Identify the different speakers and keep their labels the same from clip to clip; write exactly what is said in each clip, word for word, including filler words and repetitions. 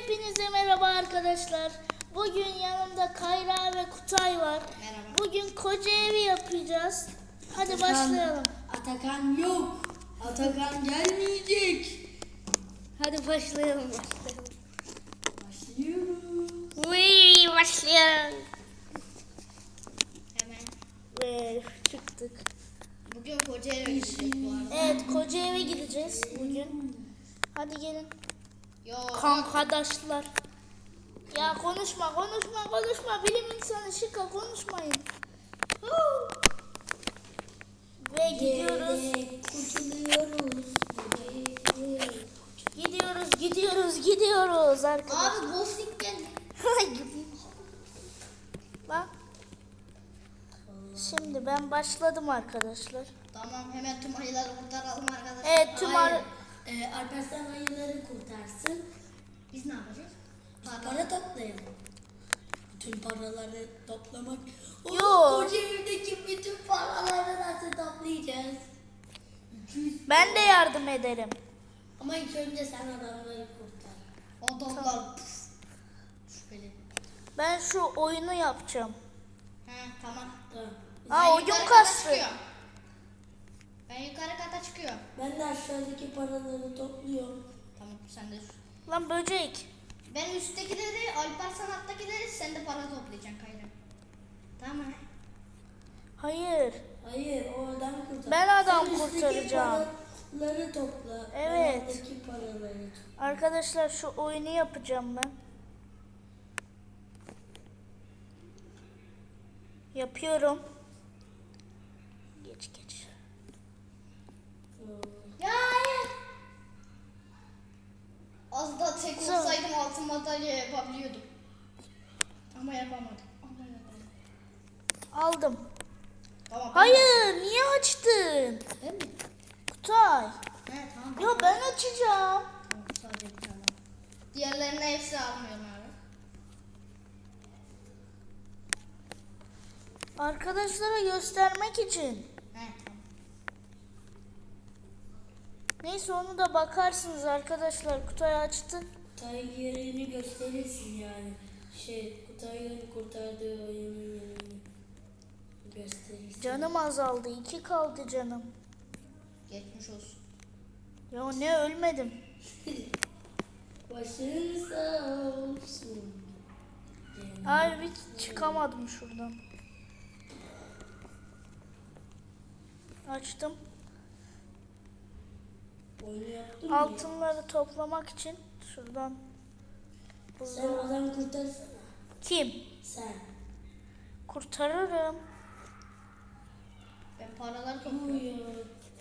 Speaker 1: Hepinize merhaba arkadaşlar. Bugün yanımda Kayra ve Kutay var.
Speaker 2: Merhaba.
Speaker 1: Bugün koca evi yapacağız. Hadi
Speaker 2: Atakan,
Speaker 1: başlayalım.
Speaker 2: Atakan yok. Atakan gelmeyecek.
Speaker 1: Hadi başlayalım. Başlayalım.
Speaker 2: Başlıyoruz.
Speaker 1: Uy, başlayalım.
Speaker 2: Hemen.
Speaker 1: Ve çıktık.
Speaker 2: Bugün koca eve gideceğiz bu arada.
Speaker 1: Evet, koca eve gideceğiz bugün. Hadi gelin.
Speaker 2: Yok.
Speaker 1: Kankadaşlar. Ya konuşma, konuşma, konuşma. Bilim insanı şıka konuşmayın. Huu. Ve gidiyoruz.
Speaker 2: Kurtuluyoruz.
Speaker 1: Gidiyoruz, gidiyoruz, gidiyoruz arkadaşlar.
Speaker 2: Abi ghosting geldi.
Speaker 1: Bak. Şimdi ben başladım arkadaşlar.
Speaker 2: Tamam, hemen tüm ayıları kurtaralım arkadaşlar.
Speaker 1: Evet, tüm
Speaker 2: Hayır.
Speaker 1: ar-
Speaker 2: Ee, Alparslan ayıları kurtarsın. Biz ne yapacağız? Para, para toplayalım. Bütün paraları toplamak. O
Speaker 1: Yo.
Speaker 2: koca evdeki bütün paraları nasıl toplayacağız?
Speaker 1: Ben de yardım ederim.
Speaker 2: Ama ilk önce sen adamları kurtar. Adamlar püf. Şüpheli.
Speaker 1: Ben şu oyunu yapacağım.
Speaker 2: He tamam. Tamam.
Speaker 1: Aa,
Speaker 2: Ben
Speaker 1: oyun
Speaker 2: yukarı kata
Speaker 1: kastı.
Speaker 2: çıkıyorum. Ben yukarı kata çıkıyorum.
Speaker 3: Ben de aşağıdaki paraları topluyorum.
Speaker 2: Tamam, sen de.
Speaker 1: Lan böcek.
Speaker 2: Ben üsttekileri, Alparslan alttakileri, sen de para toplayacaksın Kayra. Tamam mı?
Speaker 1: Hayır.
Speaker 3: Hayır, o adam kurtar.
Speaker 1: Ben adam
Speaker 3: Sen üstteki
Speaker 1: kurtaracağım.
Speaker 3: paraları topla.
Speaker 1: Evet.
Speaker 3: Ben alttaki paraları topla.
Speaker 1: Arkadaşlar şu oyunu yapacağım ben. Yapıyorum. Geç geç.
Speaker 2: Ya hayır. Az da tek
Speaker 1: Sen-
Speaker 2: olsaydım altın madalya yapabiliyordum. Ama yapamadım. Ama yapamadım.
Speaker 1: Aldım.
Speaker 2: Tamam.
Speaker 1: Hayır, niye açtın?
Speaker 2: Değil mi?
Speaker 1: Kutay.
Speaker 2: He tamam.
Speaker 1: Yo, ben açacağım.
Speaker 2: Tamam, sadece bir tane. Diğerlerine hepsi almıyorum abi.
Speaker 1: Arkadaşlara göstermek için.
Speaker 2: He tamam.
Speaker 1: Neyse, onu da bakarsınız arkadaşlar. Kutay açtı.
Speaker 3: Kutay yerini gösterirsin yani. Şey, Kutay'ın kurtardığı oyunun yerini gösterirsin.
Speaker 1: Canım azaldı. iki kaldı canım.
Speaker 2: Geçmiş olsun.
Speaker 1: Ya ne, ölmedim.
Speaker 3: Başın sağ olsun.
Speaker 1: Abi bir çıkamadım şuradan. Açtım.
Speaker 3: Oyunu yaptın mı?
Speaker 1: Altınları toplamak için şuradan.
Speaker 3: Sen
Speaker 1: Hızlı.
Speaker 3: adam kurtarsana.
Speaker 1: Kim?
Speaker 3: Sen.
Speaker 1: Kurtarırım.
Speaker 2: Ben paraları topluyorum.
Speaker 3: Uyuyor.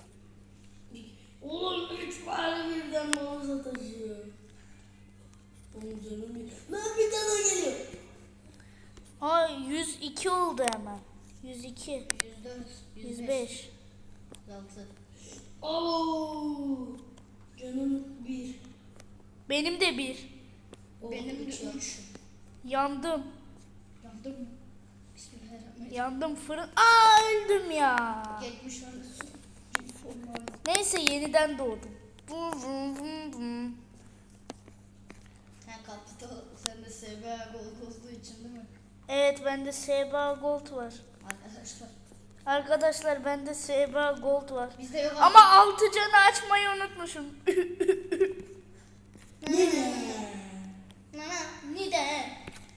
Speaker 3: Oğlum üç para birden mağaza taşıyor. Oğlum canım bir... Lan bir tane geliyor.
Speaker 1: Ay, yüz iki oldu hemen. yüz iki.
Speaker 2: yüz dört,
Speaker 1: yüz beş.
Speaker 2: yüz altı.
Speaker 3: Oo. Canım bir.
Speaker 1: Benim de bir.
Speaker 3: O
Speaker 2: Benim de
Speaker 3: üç.
Speaker 2: üç.
Speaker 1: Yandım.
Speaker 2: Yandım mı? Bismillahirrahmanirrahim.
Speaker 1: Yandım fırın. Aa, öldüm ya.
Speaker 2: Geçmiş olsun.
Speaker 1: Neyse, yeniden doğdum. Vum vum vum vum.
Speaker 2: Sen kapıda, sen de S B A gol olduğu için değil mi?
Speaker 1: Evet, bende S B A Gold var.
Speaker 2: Arkadaşlar.
Speaker 1: Arkadaşlar, bende S B A Gold var.
Speaker 2: Bizde yok
Speaker 1: Ama altı canı açmayı unutmuşum.
Speaker 2: Nana, nide?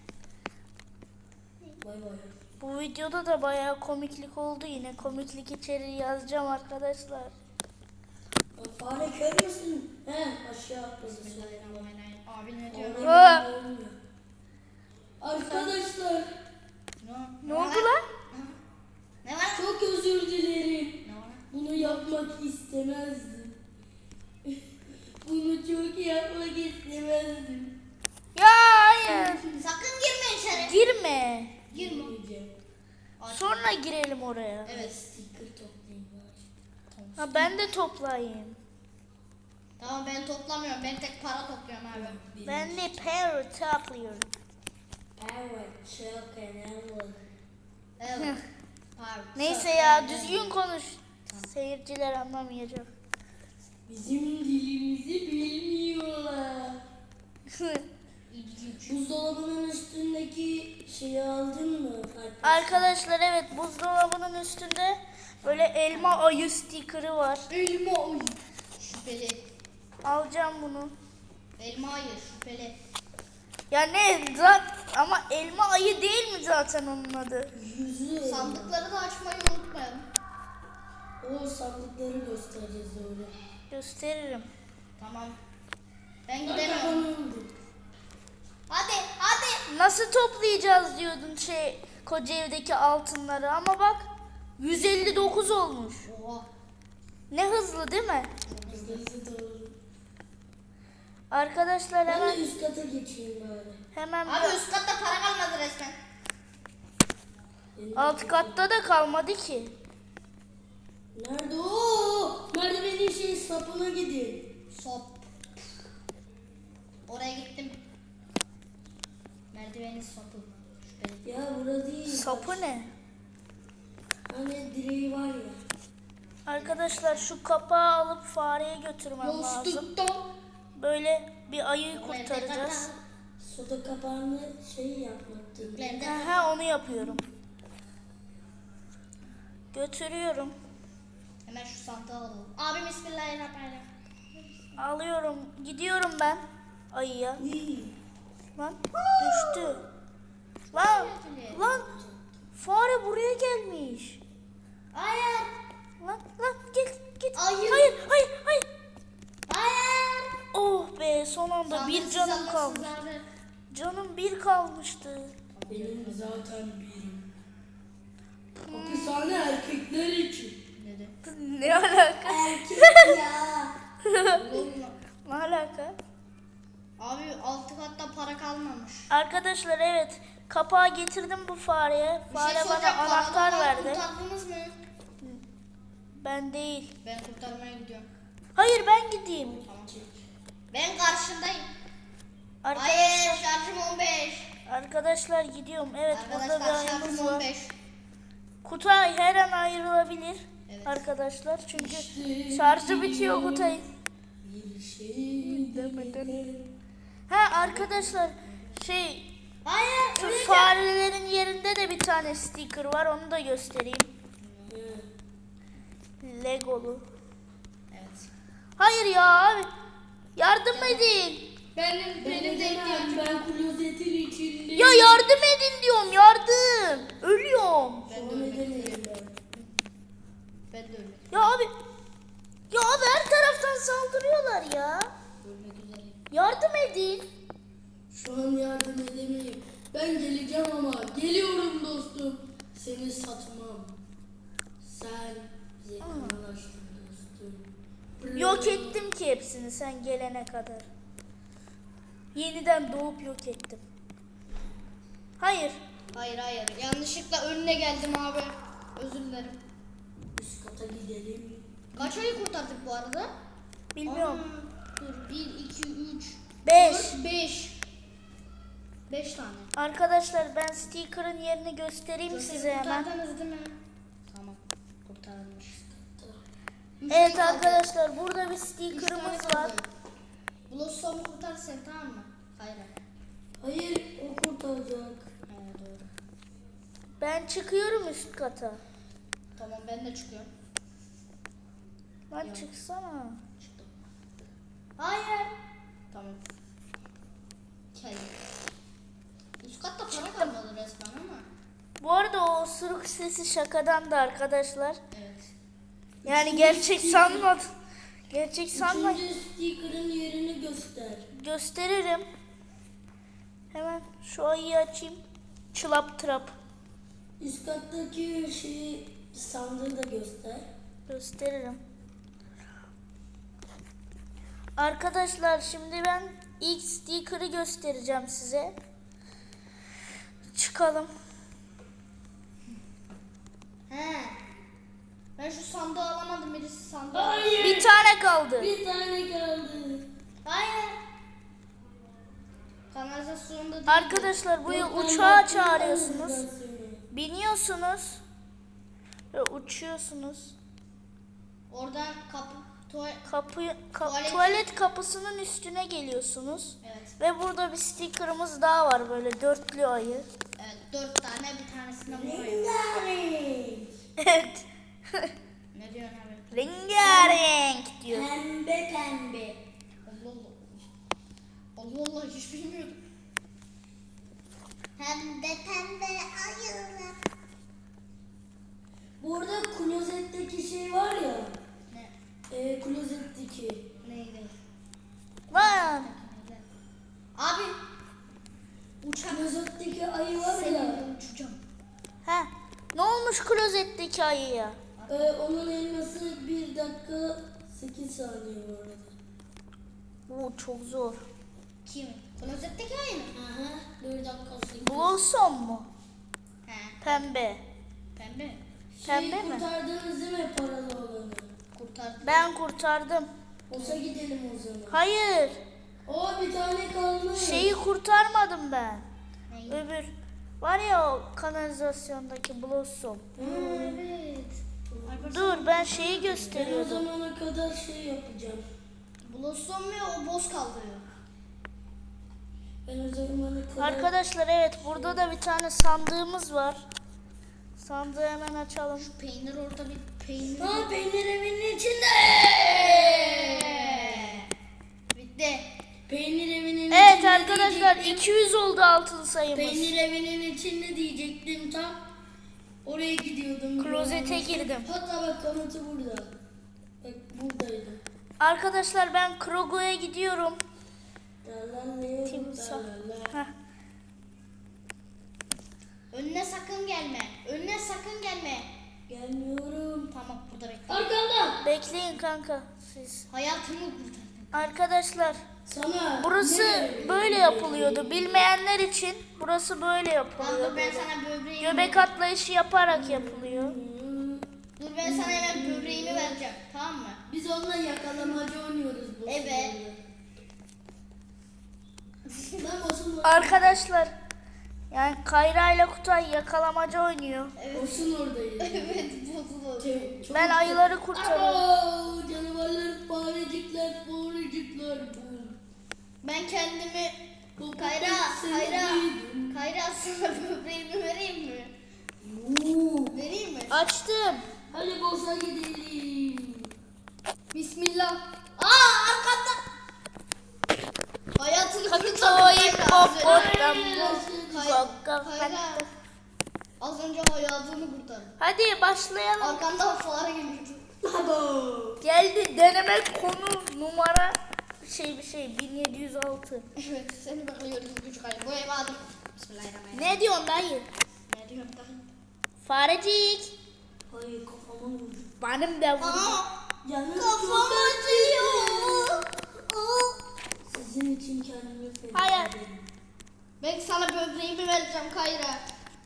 Speaker 3: Bay bay.
Speaker 1: Bu videoda da bayağı komiklik oldu yine. Komiklik içeriği yazacağım arkadaşlar.
Speaker 3: Aa, Fare kör müsün? He aşağı atlasın.
Speaker 2: Bismillahirrahmanirrahim. Abi ne diyor?
Speaker 3: Orada
Speaker 1: Aa!
Speaker 3: böyle olmuyor. Arkadaşlar
Speaker 1: Ne oldu lan?
Speaker 2: Ne var?
Speaker 3: çok özür dilerim.
Speaker 2: Ne var?
Speaker 3: Bunu yapmak istemezdim. Bunu çok yapmak istemezdim.
Speaker 1: Ya hayır.
Speaker 2: Sakın girme içeri.
Speaker 1: Girme.
Speaker 2: Girme.
Speaker 3: Girmeyeceğim.
Speaker 1: Sonra girelim oraya.
Speaker 2: Evet.
Speaker 3: Sticker toplayayım bari.
Speaker 1: Ha, ben de toplayayım.
Speaker 2: Tamam, ben toplamıyorum. Ben tek para topluyorum abi.
Speaker 1: Ben de para topluyorum.
Speaker 3: Evet çok önemli.
Speaker 2: Evet. Abi,
Speaker 1: Neyse ya, düzgün konuş. Seyirciler anlamayacak.
Speaker 3: Bizim dilimizi bilmiyorlar. Şeyi aldın mı?
Speaker 1: Arkadaşlar evet, buzdolabının üstünde böyle elma ayı sticker'ı var.
Speaker 2: Elma ayı. Şüpheli.
Speaker 1: Alacağım bunu.
Speaker 2: Elma ayı şüpheli.
Speaker 1: Ya ne zaten, ama elma ayı değil mi zaten onun adı?
Speaker 3: Yüzü.
Speaker 2: Sandıkları da açmayı unutmayalım.
Speaker 3: O sandıkları göstereceğiz öyle.
Speaker 1: Gösteririm.
Speaker 2: Tamam. Ben
Speaker 3: Bana
Speaker 2: gidemiyorum.
Speaker 3: oldu.
Speaker 2: Hadi hadi.
Speaker 1: Nasıl toplayacağız diyordun şey Kocaeli'deki altınları, ama bak yüz elli dokuz olmuş.
Speaker 2: Oha.
Speaker 1: Ne hızlı değil mi?
Speaker 3: Hızlı doğru.
Speaker 1: Arkadaşlar
Speaker 3: Ben
Speaker 1: hemen
Speaker 3: de üst kata geçeyim bari.
Speaker 1: hemen
Speaker 2: Abi
Speaker 1: bir
Speaker 2: üst katta para kalmadı resmen.
Speaker 3: Benim
Speaker 1: alt katta da kalmadı ki.
Speaker 3: Nerede o? Merdivenin şey sapına gidin.
Speaker 2: Sop. Oraya gittim. Merdivenin sapı. Şüpheli.
Speaker 3: Ya burada değil.
Speaker 1: Sapı ne?
Speaker 3: Hani direği var ya.
Speaker 1: Arkadaşlar şu kapağı alıp fareye götürmem lazım.
Speaker 2: Yostuktan.
Speaker 1: Böyle bir ayıyı kurtaracağız.
Speaker 3: Soda kapağını şey yapmaktı.
Speaker 1: Aha, onu yapıyorum. Götürüyorum.
Speaker 2: Hemen şu sandığı alalım. Abi bismillahirrahmanirrahim.
Speaker 1: Alıyorum. Gidiyorum ben ayıya.
Speaker 3: İyi.
Speaker 1: Lan düştü. Lan lan fare buraya gelmiş.
Speaker 2: Hayır.
Speaker 1: Lan lan git git.
Speaker 2: Ayı.
Speaker 1: Hayır hayır hayır.
Speaker 2: Hayır.
Speaker 1: Oh be, son anda bir
Speaker 2: Sandıksız
Speaker 1: canım
Speaker 2: alırsınız
Speaker 1: kalmış.
Speaker 2: abi.
Speaker 1: Canım bir kalmıştı.
Speaker 3: Benim zaten birim. Hapishane erkekler için.
Speaker 2: Ne de?
Speaker 1: Ne alaka?
Speaker 3: Erkek ya.
Speaker 2: Olur mu?
Speaker 1: Ne alaka?
Speaker 2: Abi altı katta para kalmamış.
Speaker 1: Arkadaşlar evet, kapağı getirdim bu fareye.
Speaker 2: Bir
Speaker 1: Fare
Speaker 2: şey
Speaker 1: bana
Speaker 2: soracağım,
Speaker 1: anahtar
Speaker 2: paradan
Speaker 1: verdi.
Speaker 2: Kurtardınız mı?
Speaker 1: Ben değil.
Speaker 2: Ben kurtarmaya gidiyorum.
Speaker 1: Hayır, ben gideyim.
Speaker 2: Tamam. Ben karşındayım.
Speaker 1: Arka-
Speaker 2: Hayır şarjım on beş.
Speaker 1: Arkadaşlar gidiyorum. Evet, burada bir
Speaker 2: Arkadaşlar
Speaker 1: ayımız
Speaker 2: şarjım
Speaker 1: var.
Speaker 2: on beş.
Speaker 1: Kutay her an ayrılabilir.
Speaker 2: Evet.
Speaker 1: Arkadaşlar çünkü şarjı bitiyor Kutay'ın.
Speaker 3: Bir şey
Speaker 1: Ha arkadaşlar şey,
Speaker 2: Hayır.
Speaker 1: şu
Speaker 2: öleceğim.
Speaker 1: farelerin yerinde de bir tane sticker var, onu da göstereyim. Legolu.
Speaker 2: Evet.
Speaker 1: Hayır ya abi. Yardım edin.
Speaker 2: Benim benim de ihtiyacım.
Speaker 3: Ben klozetin içinde.
Speaker 1: Ya yardım edin diyorum, yardım. Ölüyorum.
Speaker 2: Ben de
Speaker 3: Sonra
Speaker 2: ölmek
Speaker 3: demeyin
Speaker 2: üzereyim.
Speaker 3: ben.
Speaker 2: Ben de ölmek,
Speaker 1: Ya abi. Ya abi her taraftan saldırıyorlar ya.
Speaker 2: ölmek üzereyim.
Speaker 1: Yardım edin.
Speaker 3: Şu an yardım edemeyim. Ben geleceğim ama. Geliyorum dostum. Seni satmam. Sen bize kanalaştın dostum.
Speaker 1: Yok ettim ki hepsini sen gelene kadar. Yeniden doğup yok ettim. Hayır.
Speaker 2: Hayır hayır. Yanlışlıkla önüne geldim abi. Özür dilerim.
Speaker 3: Üst kata gidelim.
Speaker 2: Kaç ayı kurtardık bu arada?
Speaker 1: Bilmiyorum.
Speaker 2: Aa, dur. bir, iki, üç,
Speaker 1: Beş.
Speaker 2: dört, beş. beş tane.
Speaker 1: Arkadaşlar ben sticker'ın yerini göstereyim
Speaker 2: Dört
Speaker 1: size hemen.
Speaker 2: kurtardınız değil mi? Tamam. Kurtarılmış. Üç
Speaker 1: Evet
Speaker 2: tane kaldı.
Speaker 1: arkadaşlar, burada bir
Speaker 2: Üç tane
Speaker 1: sticker'ımız
Speaker 2: kaldı.
Speaker 1: var.
Speaker 2: Blossom'u kurtar sen, tamam mı? Hayır.
Speaker 3: Hayır o kurtaracak.
Speaker 2: He doğru.
Speaker 1: Ben çıkıyorum üst kata.
Speaker 2: Tamam ben de çıkıyorum.
Speaker 1: Lan
Speaker 2: Yok.
Speaker 1: çıksana.
Speaker 2: Çıktım. Hayır. Tamam. Kel. Üst katta para kalmadı resmen ama.
Speaker 1: Bu arada o osuruk sesi şakadan da arkadaşlar.
Speaker 2: Evet.
Speaker 1: Yani gerçek sanmadım. Gerçek sanma.
Speaker 3: Üçüncü sticker'ın yerini göster.
Speaker 1: Gösteririm. Hemen şu ayıyı açayım. Çılap trap.
Speaker 3: Üst kattaki şeyi sandığı da göster.
Speaker 1: Gösteririm. Arkadaşlar şimdi ben ilk sticker'ı göstereceğim size. Çıkalım.
Speaker 2: He. Ben şu sandığı alamadım, birisi sandığı.
Speaker 3: Hayır.
Speaker 1: Bir tane kaldı.
Speaker 3: Bir tane kaldı.
Speaker 2: Hayır. Kanalizasyonda değil.
Speaker 1: Arkadaşlar bu
Speaker 3: Yok, ben
Speaker 1: uçağa
Speaker 3: baktım
Speaker 1: çağırıyorsunuz.
Speaker 3: kanalizasyona.
Speaker 1: Biniyorsunuz. Ve uçuyorsunuz.
Speaker 2: Oradan kapı, tuvalet.
Speaker 1: Kapı, ka-
Speaker 2: Tuvalet-
Speaker 1: tuvalet kapısının üstüne geliyorsunuz.
Speaker 2: Evet.
Speaker 1: Ve burada bir sticker'ımız daha var, böyle dörtlü ayı.
Speaker 4: Evet, dört tane, bir tanesine vuruyor.
Speaker 2: Rengarenk.
Speaker 1: Evet.
Speaker 4: Ne diyorsun abi?
Speaker 1: Rengarenk diyor.
Speaker 2: Pembe pembe.
Speaker 4: Allah Allah. Allah Allah, hiç bilmiyordum. Pembe pembe ayılar.
Speaker 3: Burada klozetteki şey var ya.
Speaker 4: Ne?
Speaker 3: E, klozetteki.
Speaker 4: Neydi?
Speaker 1: Lan.
Speaker 4: Abi. Uçak.
Speaker 3: Klozetteki ayı var ya.
Speaker 4: Seninle uçacağım.
Speaker 1: Ha. Ne olmuş klozetteki ayıya?
Speaker 3: E, onun elması bir dakika sekiz saniye bu arada.
Speaker 1: Bu çok zor.
Speaker 4: Kim? Klozetteki ayı mı?
Speaker 2: Aha. Bir dakika sekiz.
Speaker 1: Blossom mu?
Speaker 4: He.
Speaker 1: Pembe.
Speaker 4: Pembe mi?
Speaker 1: Pembe
Speaker 3: Şey
Speaker 1: mi?
Speaker 3: kurtardınız değil mi paralı olanı?
Speaker 4: Kurtardım.
Speaker 1: Ben kurtardım.
Speaker 3: Olsa gidelim o zaman.
Speaker 1: Hayır.
Speaker 3: O bir tane kalmış.
Speaker 1: Şeyi kurtarmadım ben.
Speaker 4: Neyi?
Speaker 1: Öbür var ya o kanalizasyondaki Blossom.
Speaker 4: Ha, evet. Alper,
Speaker 1: Dur ben şeyi
Speaker 3: Ben o
Speaker 1: gösteriyordum.
Speaker 3: zamana kadar şey yapacağım.
Speaker 4: Blossom mu o boz kaldırıyor?
Speaker 3: Ben o zamana kadar...
Speaker 1: Arkadaşlar evet burada da bir tane sandığımız var. Sandığı hemen açalım.
Speaker 4: Peynir orada bir peynir.
Speaker 3: Ha, peynir evinin içinde.
Speaker 4: Bitti.
Speaker 3: Peynir evinin
Speaker 1: Evet
Speaker 3: içinde
Speaker 1: arkadaşlar
Speaker 3: diyecektim.
Speaker 1: iki yüz oldu altın sayımız.
Speaker 3: Peynir evinin içinde diyecektim tam. Oraya gidiyordum.
Speaker 1: Klozete girdim.
Speaker 3: Hatta bak kanıtı burada. Bak buradaydı.
Speaker 1: Arkadaşlar ben Krogo'ya gidiyorum.
Speaker 3: Lalalala,
Speaker 1: Timsah.
Speaker 3: lalala.
Speaker 1: Heh.
Speaker 4: Önüne sakın gelme. Önüne sakın gelme.
Speaker 3: Gelmiyorum.
Speaker 4: Tamam, burada bekle.
Speaker 3: Arkamda.
Speaker 1: Bekleyin kanka siz.
Speaker 4: Hayatımı kurtardın.
Speaker 1: Arkadaşlar
Speaker 3: Sana.
Speaker 1: burası
Speaker 3: ne?
Speaker 1: böyle yapılıyordu. Bilmeyenler için burası böyle
Speaker 4: Tamam,
Speaker 1: yapılıyor.
Speaker 4: dur ben sana böbreğimi...
Speaker 1: Göbek atlayışı yaparak yapılıyor.
Speaker 3: Hmm,
Speaker 4: Dur ben sana hemen böbreğimi vereceğim. Tamam mı?
Speaker 3: Biz onunla yakalamacı oynuyoruz bu
Speaker 4: Evet.
Speaker 3: sırada. Ben Osun,
Speaker 1: Arkadaşlar yani Kayra ile Kutay yakalamaca oynuyor.
Speaker 3: Osun oradayız.
Speaker 4: Evet, bozuldu.
Speaker 3: Çok- çok-
Speaker 1: Ben ayıları kurtarıyorum.
Speaker 3: Abo, canavarlar, farecikler, farecikler.
Speaker 4: Ben kendimi...
Speaker 3: Bu
Speaker 4: Kayra,
Speaker 3: seni
Speaker 4: Kayra.
Speaker 3: duydum.
Speaker 4: Kayra, sana böbreğimi vereyim mi?
Speaker 3: Oo.
Speaker 4: Vereyim mi?
Speaker 1: Açtım.
Speaker 3: Hadi bossa gidelim.
Speaker 4: Bismillah. Aa, arkanda. Hayatını kurtardın
Speaker 1: Katoy
Speaker 4: Kayra az önce.
Speaker 1: popotam.
Speaker 4: Kayra, Kayra. Az önce hayatını kurtardın.
Speaker 1: Hadi başlayalım.
Speaker 4: Arkandan fare geliyordu.
Speaker 3: Abo.
Speaker 1: Geldi deneme konu numara şey bir şey bin yedi yüz altı.
Speaker 4: Evet, seni bekliyoruz küçük ayı. Bu ev adım. Bismillahirrahmanirrahim.
Speaker 1: Ne diyorsun dayı?
Speaker 4: Ne diyorsun dayı?
Speaker 1: Farecik.
Speaker 3: Hayır kafama vurdu.
Speaker 1: Benim de vurdu.
Speaker 4: Aa,
Speaker 3: Canım
Speaker 4: kafam
Speaker 3: çok
Speaker 4: acıyor. Aa.
Speaker 3: Sizin için kendimi feda
Speaker 1: Hayır.
Speaker 3: ederim.
Speaker 4: Ben sana böbreğimi vereceğim Kayra.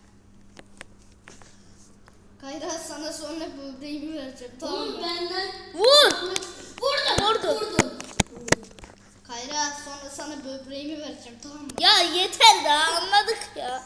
Speaker 4: Kayra, sana sonra böbreğimi vereceğim, tamam
Speaker 3: Oğlum
Speaker 4: mı?
Speaker 3: benden
Speaker 1: Vur.
Speaker 3: vurdum.
Speaker 1: Vurdu.
Speaker 3: Vurdum.
Speaker 4: Kayra, sonra sana böbreğimi vereceğim, tamam mı?
Speaker 1: Ya yeter daha anladık ya.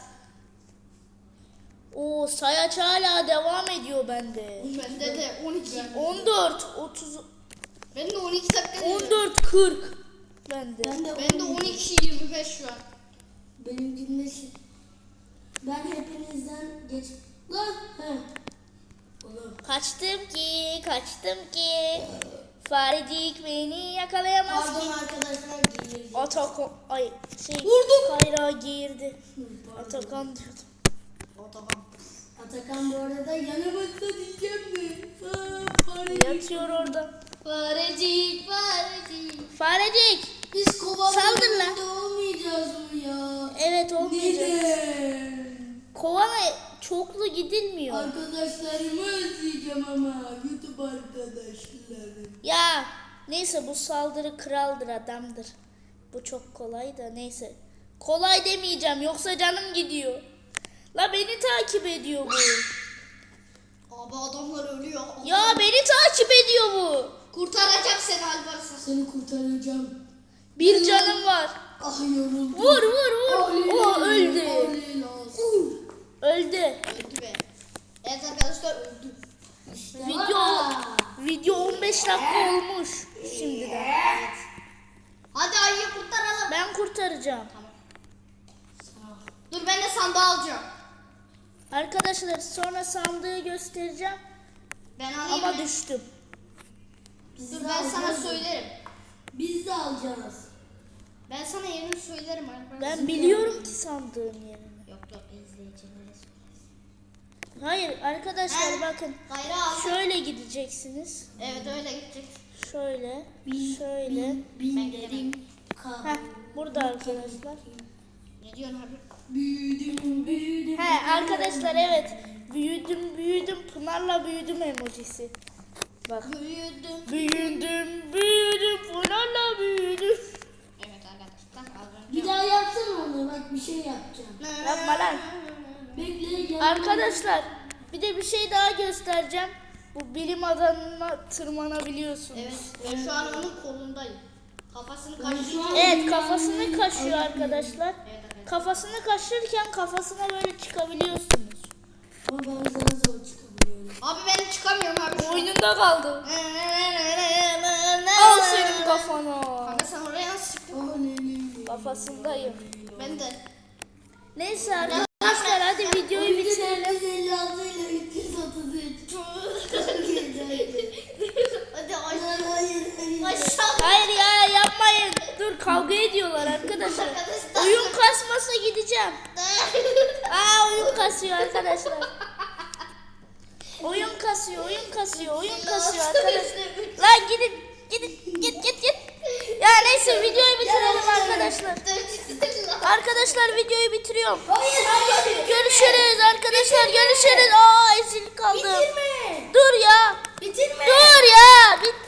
Speaker 1: O sayaç hala devam ediyor bende.
Speaker 4: Bende de on iki.
Speaker 1: on dört, otuz,
Speaker 4: Ben de on iki dakika diyor.
Speaker 1: on dört, kırk bende.
Speaker 3: Ben de,
Speaker 4: Ben de on iki yirmi beş şu an.
Speaker 3: Benimkinde şey. Ben hepinizden geç. Lan. He. Oğlum.
Speaker 1: Kaçtım ki, kaçtım ki. Farecik beni yakalayamaz ki.
Speaker 3: Pardon arkadaşlar giyirdim.
Speaker 1: Atakan, ay şey,
Speaker 3: Vurdum.
Speaker 1: Kayra girdi.
Speaker 3: Pardon.
Speaker 1: Atakan diyordum.
Speaker 4: O tamam.
Speaker 3: Atakan bu arada yanımızda diyeceğim mi? Ha, farecik.
Speaker 1: Yatıyor orada.
Speaker 4: Farecik, farecik.
Speaker 1: Farecik.
Speaker 3: Biz kovalarında
Speaker 1: Saldır lan.
Speaker 3: olmayacağız mı ya?
Speaker 1: Evet olmayacak.
Speaker 3: Neden?
Speaker 1: Kovana çoklu gidilmiyor.
Speaker 3: Arkadaşlarımı özleyeceğim ama YouTube arkadaşlarım.
Speaker 1: Ya neyse bu saldırı kraldır adamdır. Bu çok kolay da neyse. Kolay demeyeceğim yoksa canım gidiyor. La beni takip ediyor bu.
Speaker 4: Abi adamlar ölüyor.
Speaker 1: Ya beni takip ediyor bu.
Speaker 4: Kurtaracağım seni Alparslan.
Speaker 3: Seni kurtaracağım.
Speaker 1: Bir canım var.
Speaker 3: Ah yoruldum.
Speaker 1: Vur vur vur. O öldü.
Speaker 3: Öldü.
Speaker 1: Öldü.
Speaker 4: Öldü be. Evet arkadaşlar, öldü.
Speaker 1: Video video on beş dakika olmuş şimdiden.
Speaker 4: Hadi ayıyı kurtaralım.
Speaker 1: Ben kurtaracağım.
Speaker 4: Tamam. Dur ben de sandığı alacağım.
Speaker 1: Arkadaşlar sonra sandığı göstereceğim
Speaker 4: Ben alayım
Speaker 1: ama
Speaker 4: mı?
Speaker 1: düştüm.
Speaker 4: Dur ben sana söylerim.
Speaker 3: Biz de alacağız.
Speaker 4: Ben sana yerini söylerim arkadaşlar.
Speaker 1: Ben biliyorum ki sandığın yerini.
Speaker 4: Yok yok izleyicilere söylesin.
Speaker 1: Hayır arkadaşlar
Speaker 4: He.
Speaker 1: bakın.
Speaker 4: Gayrı al.
Speaker 1: Şöyle gideceksiniz.
Speaker 4: Evet öyle gidecek.
Speaker 1: Şöyle. Şöyle.
Speaker 3: Binlerim
Speaker 1: Heh, burada arkadaşlar.
Speaker 4: Ne diyorsun abi?
Speaker 3: büyüdüm büyüdüm.
Speaker 1: He arkadaşlar evet. Büyüdüm büyüdüm Pınar'la büyüdüm emojisi. Bak.
Speaker 4: Büyüdüm.
Speaker 1: Büyüdüm büyüdüm Pınar'la büyüdüm.
Speaker 4: Evet arkadaşlar az önce.
Speaker 3: Bir daha yapsana onu, bak bir şey yapacağım.
Speaker 1: Yapma lan.
Speaker 3: Bekle gel.
Speaker 1: Arkadaşlar bir de bir şey daha göstereceğim. Bu bilim adamına tırmanabiliyorsunuz.
Speaker 4: Evet ben şu an onun kolundayım. Kafasını
Speaker 3: Ben
Speaker 4: kaşıyor.
Speaker 3: şu an-
Speaker 1: Evet kafasını kaşıyor arkadaşlar.
Speaker 4: Evet arkadaşlar.
Speaker 1: Kafasını kaşırken kafasına böyle çıkabiliyorsunuz.
Speaker 3: Ama ben sana zor çıkabiliyorum.
Speaker 4: Abi ben çıkamıyorum abi şu an.
Speaker 1: Oyununda kaldı. Al senin kafana.
Speaker 4: Kanka sen oraya nasıl çıktın?
Speaker 3: Oh ne ne ne.
Speaker 1: Kafasındayım.
Speaker 4: Ben de.
Speaker 1: Neyse arkadaşlar hadi videoyu bitirelim.
Speaker 3: yüz elli altı ile üç yüz otuz üç. Çok güzeldi.
Speaker 4: Hadi aşağı.
Speaker 3: Hayır hayır hayır.
Speaker 4: Aşağı.
Speaker 1: Hayır ya yapmayın. Dur kavga ediyorlar arkadaşlar.
Speaker 4: Arkadaşlar.
Speaker 1: Oyun kasmasa gideceğim. Aa oyun kasıyor arkadaşlar. Oyun kasıyor, oyun kasıyor, oyun kasıyor arkadaşlar. Lan gidin, gidin, git git git. Ya neyse videoyu bitirelim arkadaşlar. Arkadaşlar videoyu bitiriyorum.
Speaker 3: Hayır hayır.
Speaker 1: Görüşürüz arkadaşlar, görüşürüz. Aa ezil kaldım.
Speaker 3: Bitirme.
Speaker 1: Dur ya.
Speaker 3: Bitirme.
Speaker 1: Dur ya. Bit